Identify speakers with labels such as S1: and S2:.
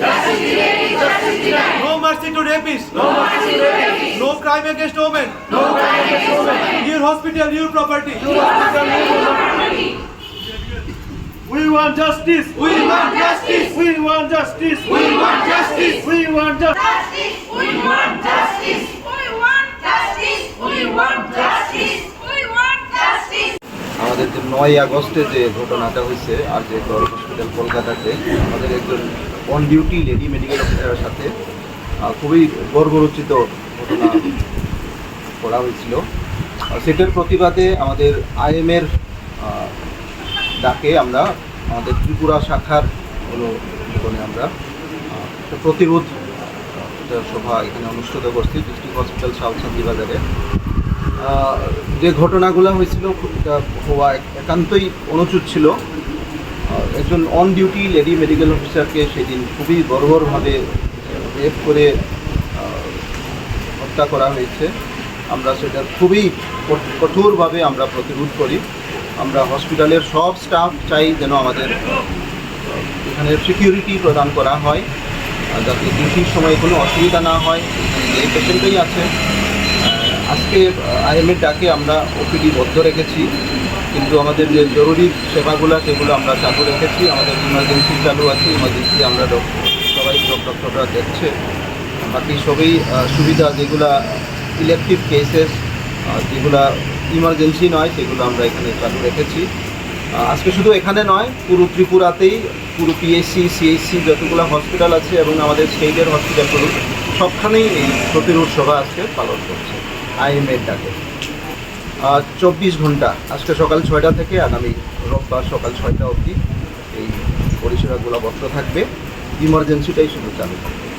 S1: No mercy to rapists. No crime against women. Your hospital, your property.
S2: We want justice.
S1: We want justice.
S2: We want justice.
S1: We want justice.
S2: We want justice.
S3: Justice! We want justice! We want justice! We want justice! We want justice!
S4: আমাদের যে 9 আগস্টে যে ঘটনাটা হয়েছে আর যে hospital কলকাতাতে আমাদের একজন অন ডিউটি লেডি মেডিকেল অফিসারের সাথে খুবই গর্বরচিত ঘটনা করা হয়েছিল। সেটার প্রতিবাদে আমাদের আইএমের ডাকে আমরা আমাদের ত্রিপুরা শাখার অনুমোদনে আমরা একটা প্রতিরোধ সভা এখানে অনুষ্ঠিত করছি ডিস্ট্রিক্ট হসপিটাল সাউথ শান্তিবাজারে। যে ঘটনাগুলো হয়েছিল এটা হওয়া একান্তই অনুচিত ছিল। একজন অন ডিউটি লেডি মেডিকেল অফিসারকে সেদিন খুবই বর্বরভাবে রেপ করে হত্যা করা হয়েছে। আমরা সেটা খুবই কঠোরভাবে আমরা প্রতিরোধ করি। আমরা হসপিটালের সব স্টাফ চাই যেন আমাদের এখানে সিকিউরিটি প্রদান করা হয় যাতে ডিউটির সময় কোনো অসুবিধা না হয়। এই পেশেন্টই আছে। আজকে আইএমের ডাকে আমরা ওপিডি বন্ধ রেখেছি, কিন্তু আমাদের যে জরুরি সেবাগুলো সেগুলো আমরা চালু রেখেছি। আমাদের ইমার্জেন্সি চালু আছে, ইমার্জেন্সি আমরা সবাই ডক্টররা দেখছে। বাকি সবই সুবিধা যেগুলো ইলেকটিভ কেসেস যেগুলো ইমার্জেন্সি নয় সেগুলো আমরা এখানে চালু রেখেছি। আজকে শুধু এখানে নয়, পুরো ত্রিপুরাতেই পুরো পিএসসি সিএইচসি যতগুলো হসপিটাল আছে এবং আমাদের স্টেটের হসপিটালগুলো সবখানেই এই প্রতিরোধ সভা আজকে পালন করছে আইএমের ডাকে। 24 ঘন্টা আজকে সকাল 6টা থেকে আগামী রোববার সকাল 6টা অবধি এই পরিষেবাগুলো বন্ধ থাকবে, ইমার্জেন্সিটাই শুধু চালু থাকবে।